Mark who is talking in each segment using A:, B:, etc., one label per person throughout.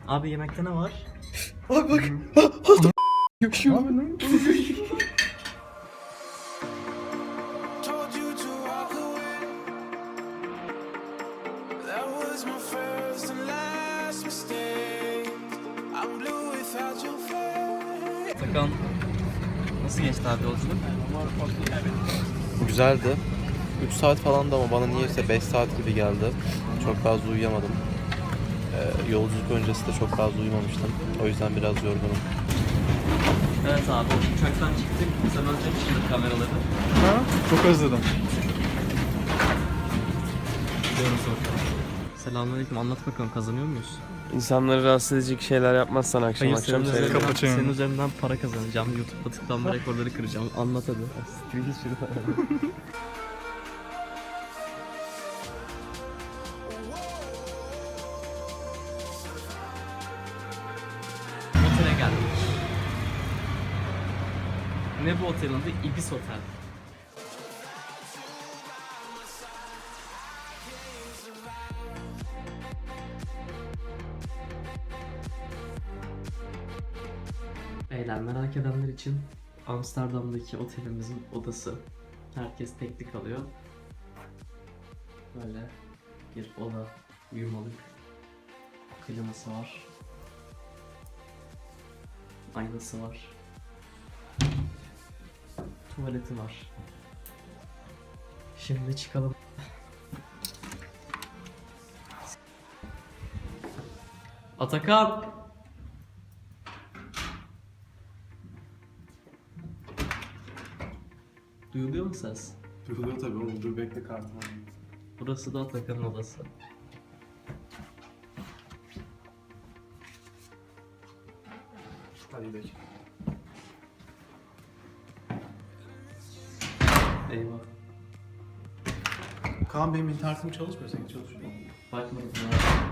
A: Abi yemekte ne var?
B: Bak bak. Yaşıyor.
C: Told you to walk away. That was my first and last mistake. I'm blue without your face.
A: Atakan, nasıl geçti abi yolculuk?
B: Güzeldi. 3 saat falandı ama bana niyeyse 5 saat gibi geldi. Çok fazla uyuyamadım. Yolculuk öncesi de çok fazla uyumamıştım. O yüzden biraz yorgunum.
A: Evet abi, uçaktan çıktık. Sen özlemişsindir kameraları.
D: Ha? Çok özledim.
A: Diyoruz bakalım. Selamünaleyküm, anlat bakalım, kazanıyor muyuz?
E: İnsanları rahatsız edecek şeyler yapmazsan akşam
A: Hayır,
E: akşam
A: senin
E: söyle.
A: üzerinden,
D: Kapatayım.
A: senin üzerinden para kazanacağım. YouTube'da tıklanma rekorları kıracağım. Anlat hadi. Otele geldik. Ne bu otelin adı? Ibis Otel. Beyler, merak edenler için Amsterdam'daki otelimizin odası. Herkes tekli kalıyor. Böyle bir oda, uyumalık. Kliması var. Aynası var. Tuvaleti var. Şimdi çıkalım. Atakan! Duyuluyor mu ses?
D: Duyuluyor tabii oğlum. Dur bekle kartım.
A: Burası da Atakan'ın odası.
D: Hadi gidelim.
A: Eyvah.
D: Kaan benim internetim çalışmıyor. Senin çalışıyor mu?
A: Bakmadım ya.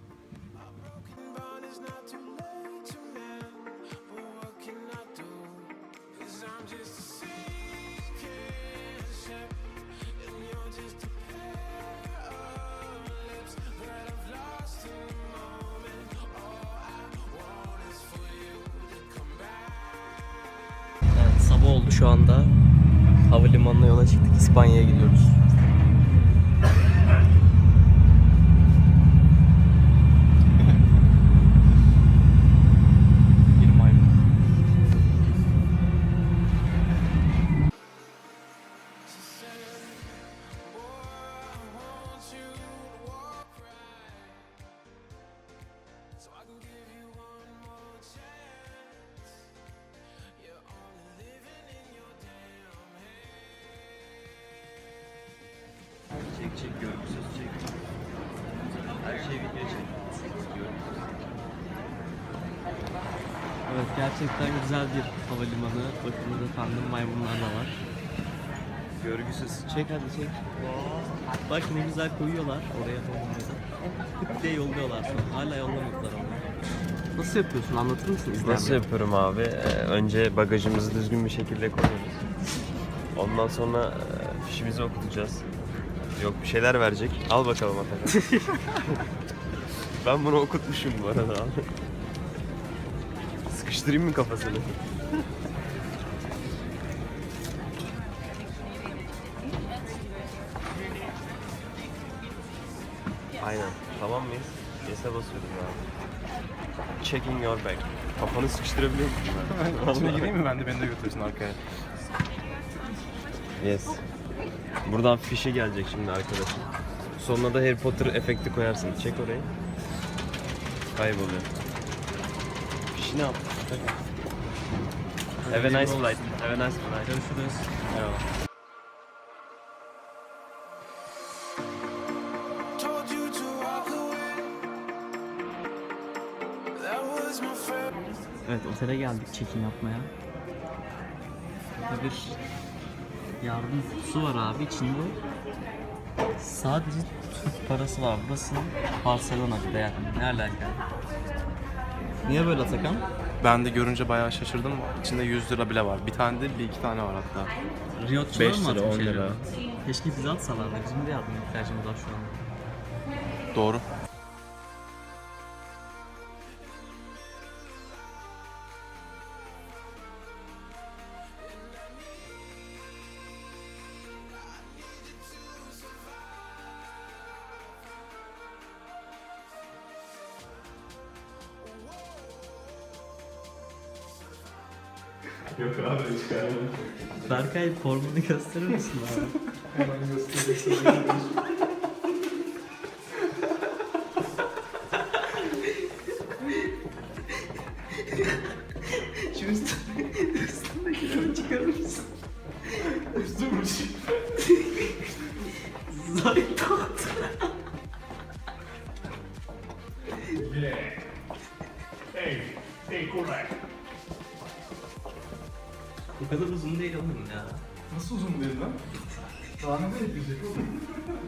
C: But it's not too late to mend. But what can I do? 'Cause I'm just a sinking ship, and you're just a pair of lips that I've lost in the moment. All I want is for you to come back.
A: Evet, sabah oldu şu anda. Havalimanına yola çıktık. İspanya'ya gidiyoruz. Bir maymun.
C: So I can give you one more chance. You're only living in your damn head.
B: Çek çek görgüsüz çek. Her şey video çek.
A: Evet, gerçekten güzel bir havalimanı. Bakınız efendim, maymunlar da var.
B: Görgüsüz.
A: Çek hadi çek. Bak ne güzel koyuyorlar oraya havalimanı. Tık diye yolluyorlar şu an. Hala yollamadılar ama. Nasıl yapıyorsun? Anlatır mısın izleyenlere?
E: Nasıl yapıyorum abi? Önce bagajımızı düzgün bir şekilde koyuyoruz. Ondan sonra fişimizi okutacağız. Yok bir şeyler verecek. Al bakalım Atakan. Ben bunu okutmuşum bu arada abi. Sıkıştırayım mı kafasını? Aynen. Tamam mıyız? Yes'e basıyorum abi. Checking your bag. Kafanı sıkıştırabiliyor musun ben?
D: İçine gireyim mi? Ben de beni de götürsün arkaya.
E: Yes. Buradan fişi gelecek şimdi arkadaşım. Sonuna da Harry Potter efekti koyarsın. Çek orayı. Kayboluyor. Fişi ne yaptın? Have a nice flight. Have a nice flight.
A: Görüşürüz.
E: Eyvallah.
C: Told you to walk away. That was my first.
A: Evet, otele geldik çekim yapmaya. Burada bir yardım kutusu var abi, içinde sadece Türk parası var. Burası Barcelona bir de yani. Ne alaka? Niye böyle Atakan?
D: Ben de görünce bayağı şaşırdım. İçinde 100 lira bile var. Bir tane değil, bir iki tane var hatta.
A: Riyotçular
E: 5
A: mı
E: lira,
A: atmış
E: 10 lira.
A: acaba? Keşke bize atsalardı. Bizim de yardıma ihtiyacımız var şu an.
D: Doğru. Yok abi çıkaramadım.
A: Berkay formunu gösterir misin abi?
F: Hemen göstereyim.
A: Şu üstündekileri çıkarır mısın?
F: Üstümüş.
A: Zaytat. Bu kadar uzun değil oğlum ya.
F: Nasıl uzun değil lan? Daha ne bekleyecek oğlum?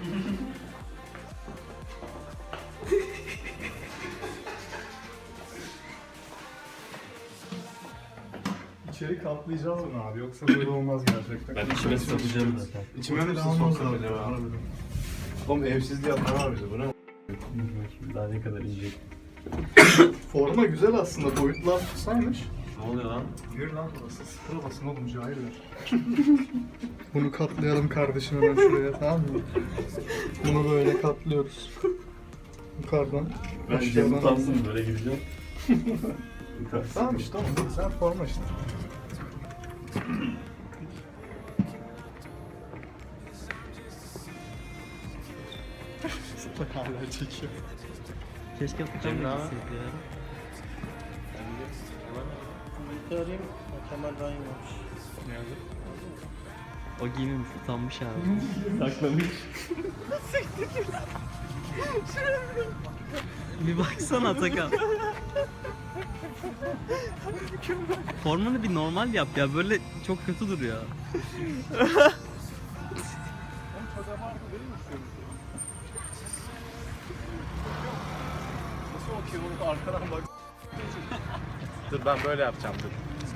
F: İçeri kaplayacağız mı abi? Yoksa böyle olmaz gerçekten.
E: Ben içime satacağım zaten.
F: İçime mi soksak acaba? Oğlum evsizliği yapma var bize. Bu ne?
E: Daha ne kadar inecek.
F: Forma güzel aslında. Boyutlar tutsaymış.
E: Ne oluyor lan?
F: Yürü lan burası. Sıfıra basın oğlum. Cahil ver. Bunu katlayalım kardeşim hemen şuraya, tamam mı? Bunu böyle katlıyoruz. Yukarıdan. aşağıdan.
E: böyle gideceğim.
F: Tamam işte tamam. Sen forma işte. Hala çekiyor.
A: Keşke Furkan da gitseydi ya.
B: Arayayım. Kemal daha iyiymiş.
A: O giymemiş, utanmış abi. Saklamış. Bir baksana Atakan. Formanı bir normal yap ya, böyle çok kötü duruyor.
F: Nasıl bakıyor oğlum arkadan bak.
D: Dur ben böyle yapacağım dur.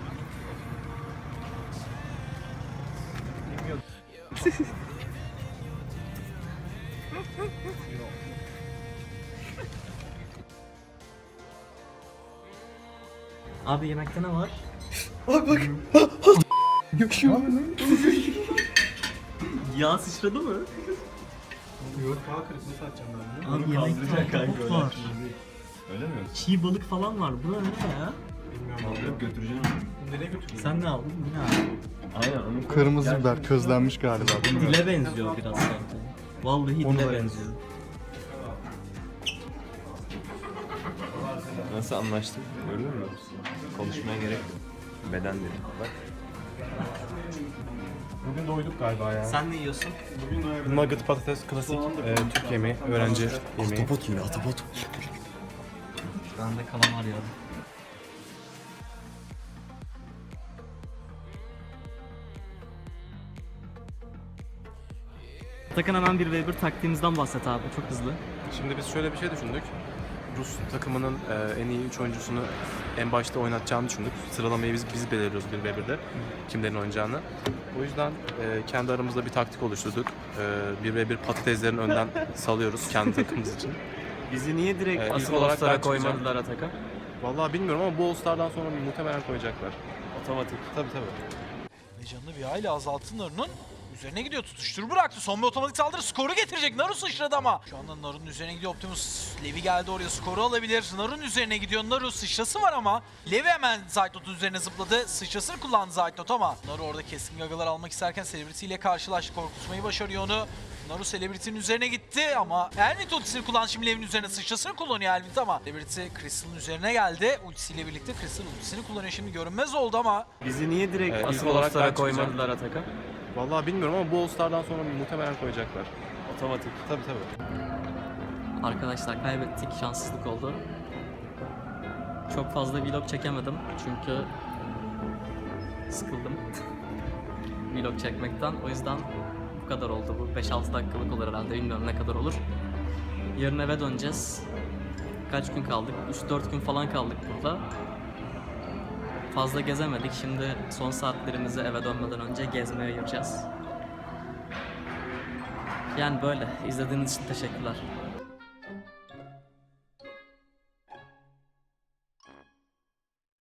A: Abi yemekte ne var? Yağ sıçradı mı?
F: Yok daha kırıklığı satacağım ben.
A: Abi yemekte ahtapot var.
E: Öyle mi?
A: Çiğ balık falan var. Bu ne ya?
E: Alıp götüreceğim.
F: Nereye götüreyim?
A: Sen ne aldın? Bu ne abi?
E: Aynen onu
F: Kırmızı biber közlenmiş galiba.
A: Dile benziyor biraz sanki. Vallahi
F: Onu
A: dile
F: da
A: benziyor.
E: nasıl anlaştık? Gördün mü? Konuşmaya gerek yok. Beden dedim. Bak.
D: Bugün doyduk galiba ya.
A: Sen ne yiyorsun?
D: Nugget patates klasik Türk yemeği, öğrenci yemeği.
E: yiyor, ahtapot.
A: Bende kalamar ya. Atakan hemen bir ve bir taktiğimizden bahset abi, çok hızlı.
D: Şimdi biz şöyle bir şey düşündük. Rus takımının en iyi 3 oyuncusunu en başta oynatacağını düşündük. Sıralamayı biz belirliyoruz 1v1'de kimlerin oynayacağını. O yüzden kendi aramızda bir taktik oluşturduk. 1v1 patateslerin önden salıyoruz kendi takımımız için.
A: Bizi niye direkt
D: ilk
A: asıl
D: olarak
A: All-Star'a
D: ben çıkacağım.
A: koymadılar Atakan?
D: Vallahi bilmiyorum ama bu All-Star'dan sonra muhtemelen koyacaklar.
A: Otomatik.
D: Tabii tabii.
G: Canını bir hayli azalttı Naru'nun. Üzerine gidiyor, tutuştur bıraktı. Son bir otomatik saldırı skoru getirecek. Naru sıçradı ama. Şu anda Naru'nun üzerine gidiyor Optimus. Levi geldi oraya, skoru alabilir. Naru'nun üzerine gidiyor. Naru sıçrası var ama. Levi hemen Zaytnot'un üzerine zıpladı. Sıçrasını kullandı Zaytnot ama. Naru orada keskin gagalar almak isterken Celebrity ile karşılaştı. Korkutmayı başarıyor onu. Naru Celebrity'nin üzerine gitti ama Elvin ultisini kullandı. Şimdi Levi'nin üzerine sıçrasını kullanıyor Elvin ama Celebrity Crystal'ın üzerine geldi. Ultisiyle birlikte Crystal ultisini kullanıyor. Şimdi görünmez oldu ama.
A: Bizi niye direkt
D: ilk
A: asıl
D: olarak
A: All-Star'a
D: ben çıkacağım.
A: koymadılar Atakan?
D: Vallahi bilmiyorum ama bu All-Star'dan sonra muhtemelen koyacaklar.
A: Otomatik.
D: Tabii tabii.
A: Arkadaşlar kaybettik, şanssızlık oldu. Çok fazla vlog çekemedim çünkü sıkıldım vlog çekmekten. O yüzden bu kadar oldu bu. 5-6 dakikalık olur herhalde, bilmiyorum ne kadar olur. Yarın eve döneceğiz. Kaç gün kaldık? 3-4 gün falan kaldık burada. Fazla gezemedik. Şimdi son saatlerimizi eve dönmeden önce gezmeye ayıracağız. Yani böyle. İzlediğiniz için teşekkürler.